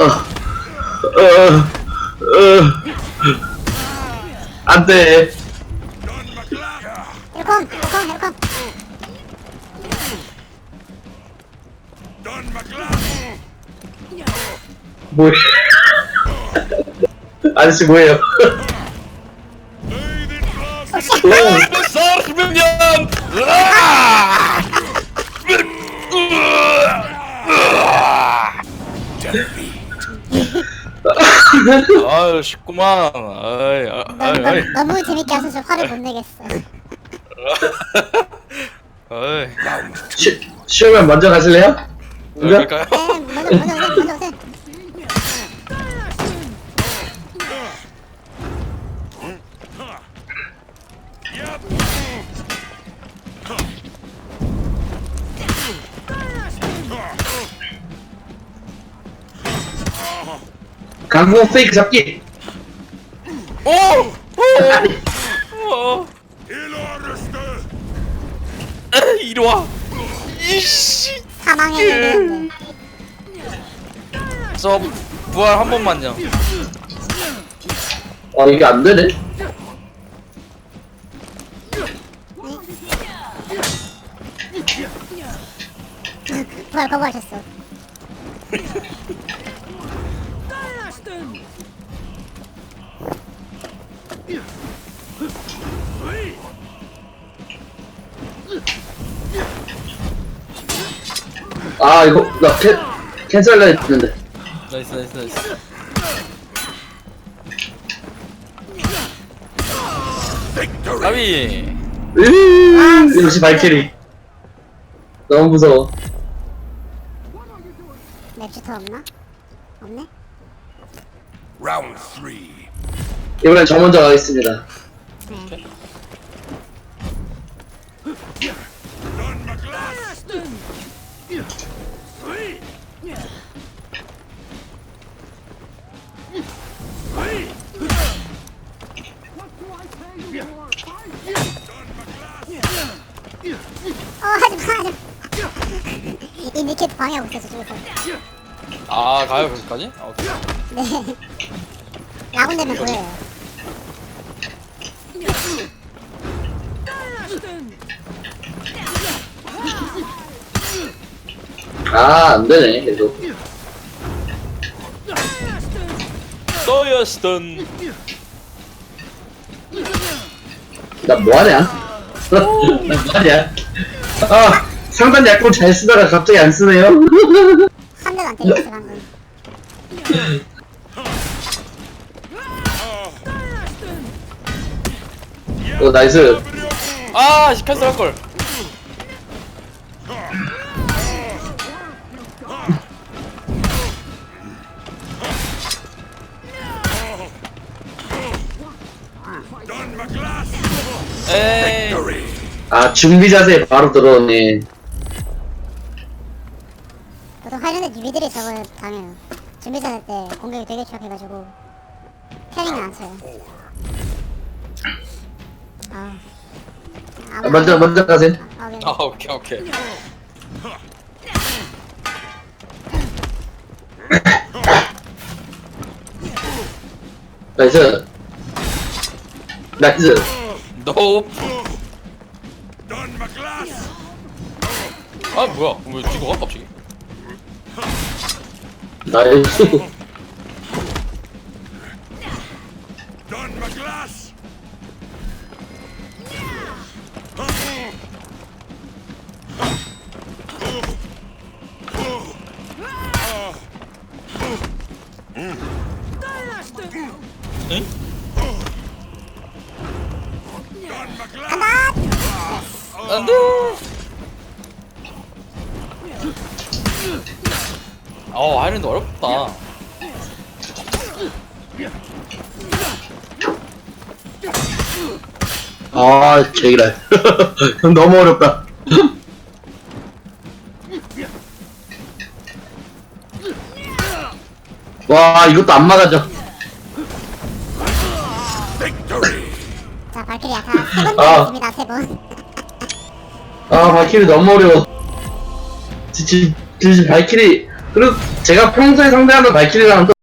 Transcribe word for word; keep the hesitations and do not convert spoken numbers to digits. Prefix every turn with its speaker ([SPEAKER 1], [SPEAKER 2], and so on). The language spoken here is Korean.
[SPEAKER 1] 어, 어, 안 돼.
[SPEAKER 2] 헬컴 헬컴 헬컴.
[SPEAKER 1] 뭐야? 아저씨 뭐예요?
[SPEAKER 3] صار منيان 아 쉽구만. 아이 아이 아이
[SPEAKER 2] 너무, 너무 재밌게 하셔서 화를 못 내겠어.
[SPEAKER 3] 아이
[SPEAKER 1] 쉬, 쉬우면 먼저 가실래요? 먼저?
[SPEAKER 3] 그럴까요?
[SPEAKER 2] 네, 먼저 먼저 오세요 먼저 오세요.
[SPEAKER 1] 강공 페이크 잡기.
[SPEAKER 3] 오! 오! 오! 에이, 이리 와. 이씨.
[SPEAKER 2] 사망해야 되는데.
[SPEAKER 3] 저 부활 한 번만요.
[SPEAKER 1] 아 이게 안 되네.
[SPEAKER 2] 부활 거부하셨어.
[SPEAKER 1] 아 이거 나 캔, 캔슬할라 했는데.
[SPEAKER 3] 나이스 나이스 나이스. 가비.
[SPEAKER 1] 으 역시 발키리. 너무 무서워.
[SPEAKER 2] 맵슈터 없나? 없네?
[SPEAKER 4] Round three.
[SPEAKER 1] 이번엔 저 먼저 가겠습니다.
[SPEAKER 2] 네. 어 하지마 하지마. 이 니켓 방해하고 있어 저쪽에서.
[SPEAKER 3] 아 가요 거기까지? 아, 오케이.
[SPEAKER 2] 네. 라군 되면 보여요.
[SPEAKER 1] 아 안되네 계속.
[SPEAKER 3] 서였던.
[SPEAKER 1] 나 뭐하냐? 나 뭐하냐? 아 상단 약품 잘 쓰다가 갑자기 안 쓰네요.
[SPEAKER 2] 한 대도 안 때렸어 방금.
[SPEAKER 1] 어 나이스.
[SPEAKER 3] 아 캔슬 할 걸. 에이.
[SPEAKER 1] 아 준비 자세에 바로 들어오네.
[SPEAKER 2] 보통 관련된 유비들이 저걸 당해요. 준비자세 때 공격이 되게 취약해가지고 패링을 안 쳐요. 아.
[SPEAKER 1] 아, 먼저 먼저 가세요.
[SPEAKER 2] 아, 네.
[SPEAKER 3] 아 오케이 오케이.
[SPEAKER 1] 나이스. 나이스.
[SPEAKER 3] 노. 아 뭐야? 왜 뒤가 갑자기?
[SPEAKER 1] 나이스.
[SPEAKER 3] 응? 안돼. 어 아이랜드 어렵다.
[SPEAKER 1] 아 제기랄. 너무 어렵다. 와 이것도 안 막아져.
[SPEAKER 2] 자, 발키리 아까 세번
[SPEAKER 1] 아.
[SPEAKER 2] 들었습니다, 세 번.
[SPEAKER 1] 아 발키리 너무 어려워. 지금 지금 발키리 그리고 제가 평소에 상대하는 발키리랑은 또